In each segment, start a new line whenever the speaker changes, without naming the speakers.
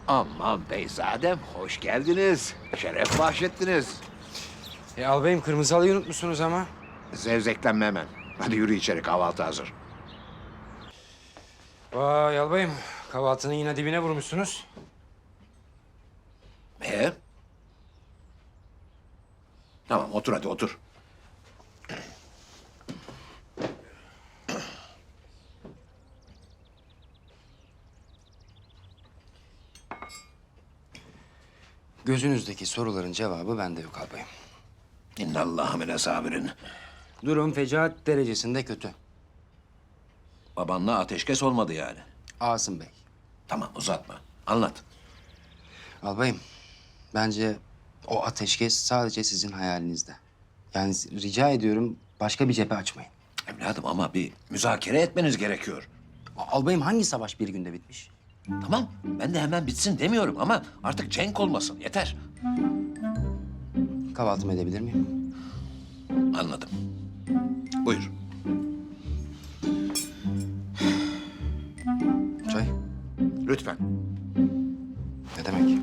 Aman beyzadem, hoş geldiniz. Şeref bahşettiniz.
Albayım kırmızı halıyı unutmuşsunuz ama.
Zevzeklenme hemen. Hadi yürü içeri, kahvaltı hazır.
Vay albayım, kahvaltının yine dibine vurmuşsunuz.
Tamam, otur hadi otur.
Gözünüzdeki soruların cevabı bende yok albayım.
İnnallâhe mine sabirin.
Durum fecaat derecesinde kötü.
Babanla ateşkes olmadı yani.
Asım Bey.
Tamam, uzatma. Anlat.
Albayım, bence o ateşkes sadece sizin hayalinizde. Yani rica ediyorum başka bir cephe açmayın.
Evladım ama bir müzakere etmeniz gerekiyor.
Albayım hangi savaş bir günde bitmiş?
Tamam, ben de hemen bitsin demiyorum ama artık cenk olmasın, yeter.
Kahvaltımı edebilir miyim?
Anladım. Buyur.
Çay?
Lütfen.
Ne demek?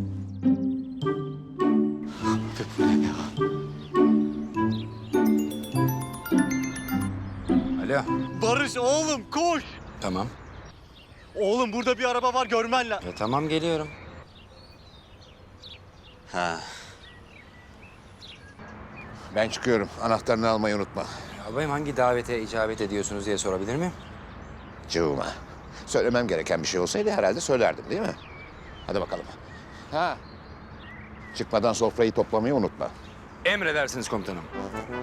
Alo.
Barış oğlum koş.
Tamam.
Oğlum burada bir araba var görmen lazım.
Tamam geliyorum.
Ha.
Ben çıkıyorum. Anahtarını almayı unutma.
Albayım hangi davete icabet ediyorsunuz diye sorabilir miyim?
Cıvıma. Söylemem gereken bir şey olsaydı herhalde söylerdim değil mi? Hadi bakalım. Ha. Çıkmadan sofrayı toplamayı unutma.
Emredersiniz komutanım.